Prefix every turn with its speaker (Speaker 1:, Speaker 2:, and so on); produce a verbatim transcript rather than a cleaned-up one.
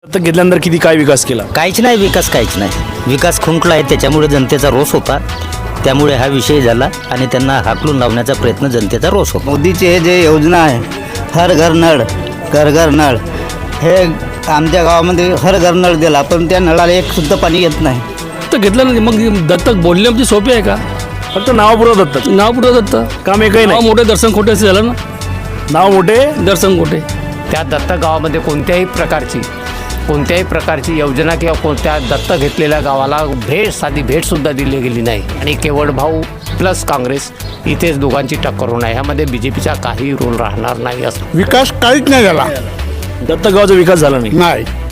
Speaker 1: दत्तक घेतल्यानंतर किती काय विकास केला?
Speaker 2: काहीच नाही विकास, काहीच नाही विकास खुंटला आहे. त्याच्यामुळे जनतेचा रोष होता, त्यामुळे हा विषय झाला आणि त्यांना हाकलून लावण्याचा प्रयत्न जनतेचा रोष होता.
Speaker 3: मोदीचे हे जे योजना आहे, हर घर नळ, घर घर नळ, हे आमच्या गावामध्ये हर घर नळ दिला, पण त्या नळाला एक सुद्धा पाणी येत नाही.
Speaker 4: तर घेतलं नाही. मग दत्तक बोलणे म्हणजे सोपे आहे का?
Speaker 1: फक्त नावापुरं दत्तक,
Speaker 4: नाव पुढं दत्त,
Speaker 1: काम एकही
Speaker 4: नाव
Speaker 1: नाही.
Speaker 4: मोठे दर्शन खोटे असं झालं ना.
Speaker 1: नाव मोठे,
Speaker 4: दर्शन खोटे.
Speaker 5: त्या दत्तक गावामध्ये कोणत्याही प्रकारची कोणत्याही प्रकारची योजना किंवा कोणत्या दत्तक घेतलेल्या गावाला भेट, साधी भेटसुद्धा दिली गेली नाही. आणि केवळ भाऊ प्लस काँग्रेस इथेच दोघांची टक्कर होणार. ह्यामध्ये बी जे पीचा काही रोल राहणार नाही असं.
Speaker 6: विकास काहीच नाही झाला.
Speaker 1: दत्तक गावाचा विकास झाला नाही.
Speaker 6: नाही